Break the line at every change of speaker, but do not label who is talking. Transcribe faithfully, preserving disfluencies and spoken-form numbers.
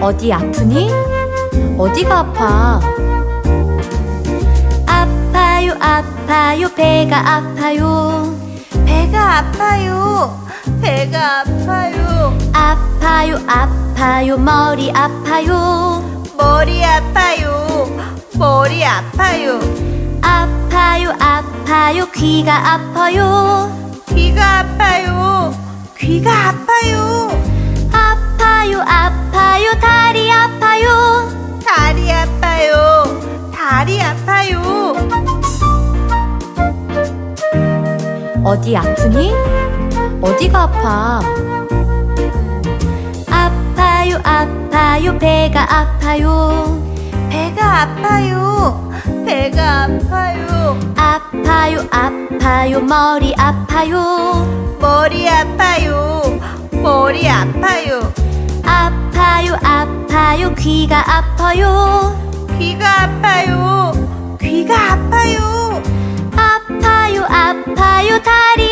어디 아프니? 어디가 아파? 아파요, 아파요, 배가 아파요.
배가 아파요. 배가 아파요.
아파요, 아파요, 머리 아파요.
머리 아파요. 머리 아파요.
아파요, 아파요, 귀가 아파요.
귀가 아파요. 귀가 아파요.
아파요, 아파요, 다리 아파요.
다리 아파요. 다리 아파요.
어디 아프니? 어디가 아파? 아파요, 아파요, 배가 아파요.
배가 아파요. 배가 아파요.
아파요, 아파요, 머리 아파요.
머리 아파요. 머리 아파요.
아파요, 아파요, 귀가 아파요.
귀가 아파요. 귀가 아파요.
아파요, 아파요, 다리